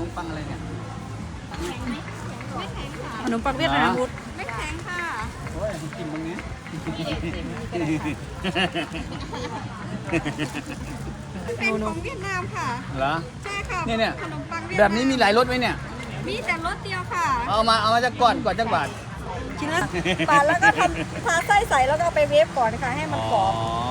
มปังอะไรเนี่ยแข็งไหมไม่แข็งค่ะขนมปังเวียดนามพุทธไม่แข็งค่ะโอ้ยกินตรงนี้เป็นของเวียดนามค่ะเหรอใช่ค่ะเนี่ยขนมปังเวียดแบนามบนี้มีหลายรสไหมเนี่ยมีแต่รสเดียวค่ะเอามาจากก่อนจักบาทชิ้นละปาดแล้วก็ทำทาไส้ใส่แล้วก็เอาไปเวฟก่อนค่ะให้มันกรอบ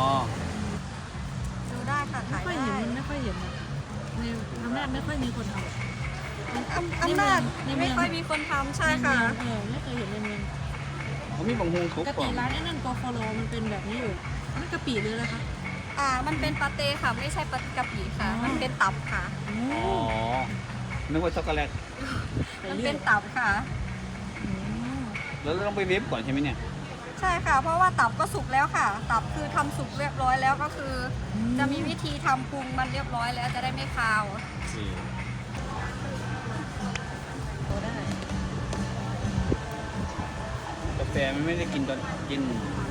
ดูได้ค่ะไม่ถ่ายค่อยได้เห็นมันไม่ค่อยเห็นนะในอำนาจไม่ค่อยมีคนทำอำนาจในเมืไม่องค่อยมีคนทำใช่ค่ะไม่เคยเห็นในเมืองเขามีบางฮงปทุกกกล่ติองร้านไอ้นั่นกอฟโลมันเป็นแบบนี้อยู่นั่นกะปิหรืออะไรคะมันเป็นปาเต้ค่ะ ไม่ใช่ปากะปิค่ะอ๋อมันเป็นตับค่ะอ๋อนึกว่าช็อกโกแลตมันเป็นตับค่ะแล้วเราต้องไปเวฟก่อนใช่ไหมเนี่ยใช่ค่ะ เพราะว่าตับก็สุกแล้วค่ะ ตับคือทำสุกเรียบร้อยแล้วก็คือ จะมีวิธีทำปรุงมันเรียบร้อยแล้วจะได้ไม่คาวได้กาแฟมันไม่ได้กินตอนกิน